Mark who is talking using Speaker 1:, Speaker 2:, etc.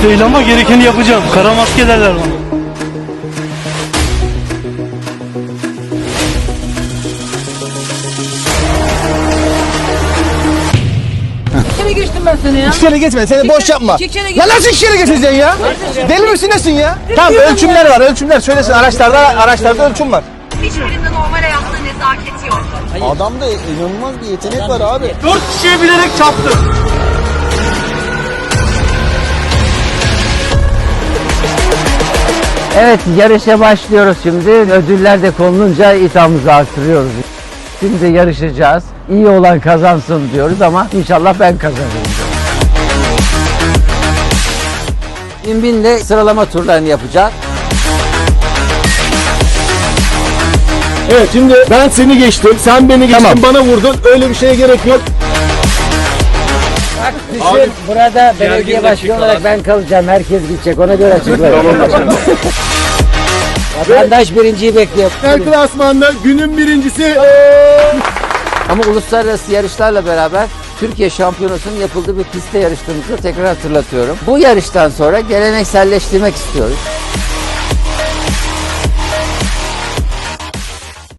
Speaker 1: Polis değil ama gerekeni yapacağım. Kara maske derler bana.
Speaker 2: İki kere geçtim ben seni ya.
Speaker 3: İki kere geçme, seni boş yapma.
Speaker 2: İki kere
Speaker 3: Ya
Speaker 2: geçtim.
Speaker 3: nasıl iki kere geçeceksin ya? Deli misin nesin ya? Tamam ölçümler var, ölçümler. Söylesin araçlarda ölçüm var.
Speaker 4: Hiçbirinde normal hayatta nezaket yok.
Speaker 3: Adamda inanılmaz bir yetenek var abi.
Speaker 1: 4 kişiye bilerek çarptım.
Speaker 5: Evet, yarışa başlıyoruz şimdi. Ödüller de konulunca iddiamızı artırıyoruz. Şimdi yarışacağız. İyi olan kazansın diyoruz ama inşallah ben kazanırım. Binbin'le sıralama turlarını yapacağız.
Speaker 3: Evet şimdi ben seni geçtim, sen beni geçtin, bana vurdun. Öyle bir şeye gerek yok.
Speaker 5: Bak düşün, burada belediye başkanı olarak ben kalacağım. Herkes gidecek, ona göre açıklayalım. Vatandaş birinciyi bekliyor.
Speaker 3: El klasmanda günün birincisi.
Speaker 5: Ama uluslararası yarışlarla beraber Türkiye Şampiyonası'nın yapıldığı bir pistte yarıştığımızı tekrar hatırlatıyorum. Bu yarıştan sonra gelenekselleştirmek istiyoruz.